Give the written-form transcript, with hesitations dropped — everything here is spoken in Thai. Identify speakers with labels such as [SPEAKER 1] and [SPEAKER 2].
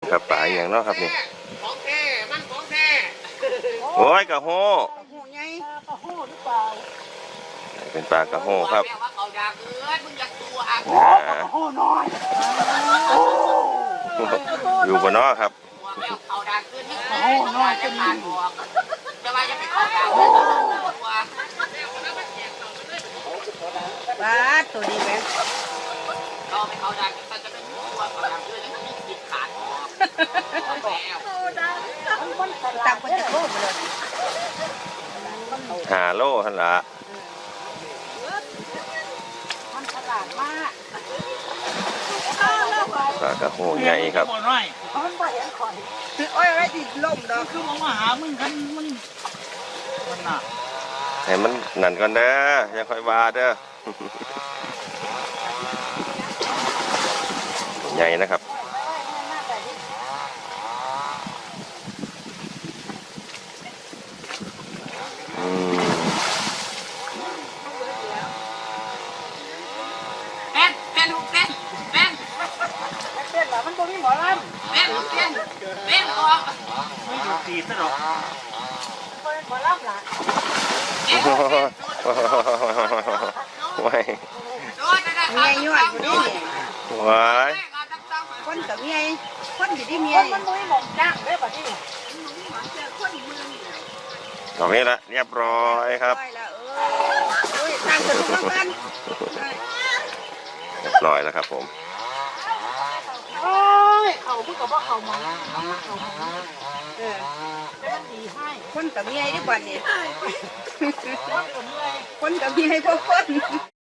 [SPEAKER 1] ครับปลาอย่างเนาะครับนี่
[SPEAKER 2] ของแท้มันของแท้
[SPEAKER 1] โอ้ยกระโฮ
[SPEAKER 3] หูใหญ่
[SPEAKER 2] กระโหหรือเปล่า
[SPEAKER 1] เป็นปลากระโฮครับ
[SPEAKER 2] ว่าเขาด่าเกินมึงอยากตัวอ่ะกระโหน้อย
[SPEAKER 1] อยู่บนนอครับ
[SPEAKER 2] เขาด่าเกินนี่กระโหน้อยจะผ่านบอกจะว่าจะไปเขาด่าตัว
[SPEAKER 3] ปลาตัวดีไหม
[SPEAKER 2] เราไปเขาด่ากันจะเป็นตัวเขาด่าเกินแล้วมีสิทธิ์ขาดบอก
[SPEAKER 3] ตักไปจะโทษเลย
[SPEAKER 1] 5 โลหั่นละ
[SPEAKER 3] มันฉลาดมาก
[SPEAKER 1] ปลากระโฮใหญ่ครับ
[SPEAKER 3] มันบ่เห็นข่อยโอ้ยอะไรติดลมดอก
[SPEAKER 2] คือมาหามึงกันมึงมันน่ะ
[SPEAKER 1] ให้มันนั่นก่อนเด้ออย่าค่อยว่าเด้อใหญ่นะครับ
[SPEAKER 3] มันบ่มีหมอลำ
[SPEAKER 2] เป็นออกไม่หยุดตีซะหรอก
[SPEAKER 3] เป็นหมอลำล่ะ
[SPEAKER 1] ว้าย
[SPEAKER 3] เมียย้อนอยู่ดิ
[SPEAKER 1] ว้าย
[SPEAKER 3] คนกับเมียคนอยู่ที่เมียมันบ่มีหมองจ้างเด้อบัดนี้
[SPEAKER 1] ตรงนี้ละเรียบร้อยครับ
[SPEAKER 3] ตั้งสนุกกัน
[SPEAKER 1] เรียบร้อยแล้วครับผม
[SPEAKER 2] เขาพูดกับว่าเขามามันดีให้
[SPEAKER 3] คนกับเมียดีกว่านี่คนกับเมียพวกคน